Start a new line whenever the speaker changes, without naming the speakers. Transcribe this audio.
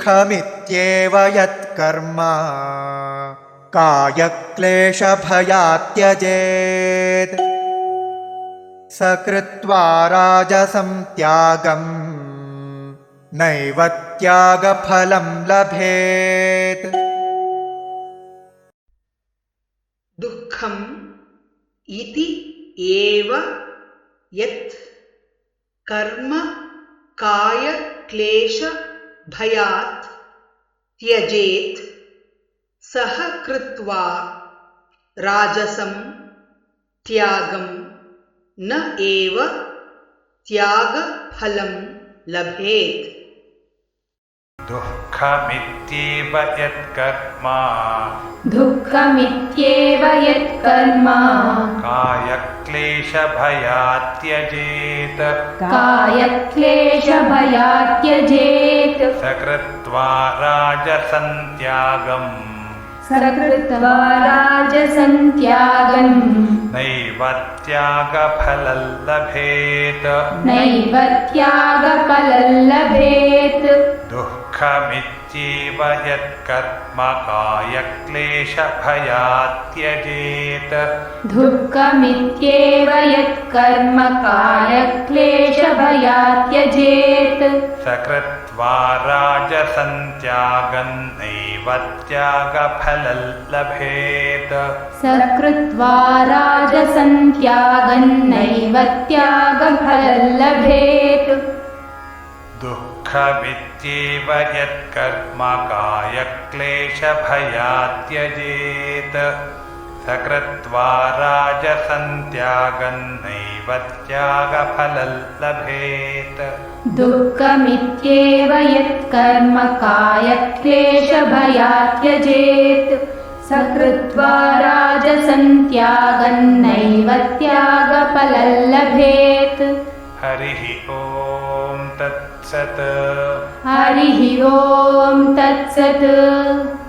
दुःखमित्येव यत्कर्म कायक्लेशभयात् त्यजेत् स कृत्वा राजसं त्यागं नैव त्यागफलं लभेत्।
दुःखम् इति एव यत् कर्म कायक्लेशभयात् त्यजेत् सः कृत्वा राजसं त्यागं न एव त्यागफलं लभेत्।
दुःखमित्येव यत्कर्म कायक्लेशभयात् त्यजेत् स कृत्वा राजसं त्यागं नैव त्यागफलं लभेत्। दुःखमित्येव यत्कर्म कायक्लेशभयात् त्यजेत् स कृत्वा राजसं त्यागं नैव त्यागफलं लभेत्। दुःखमित्येव यत्कर्म कायक्लेशभयात् त्यजेत् स कृत्वा राजसं त्यागं नैव त्यागफलं लभेत्।
दुःखमित्येव यत्कर्म कायक्लेशभयात् त्यजेत् स कृत्वा राजसं त्यागं नैव त्यागफलं लभेत्।
हरिः ओम तत्सत्।
हरिः ओम तत्सत्।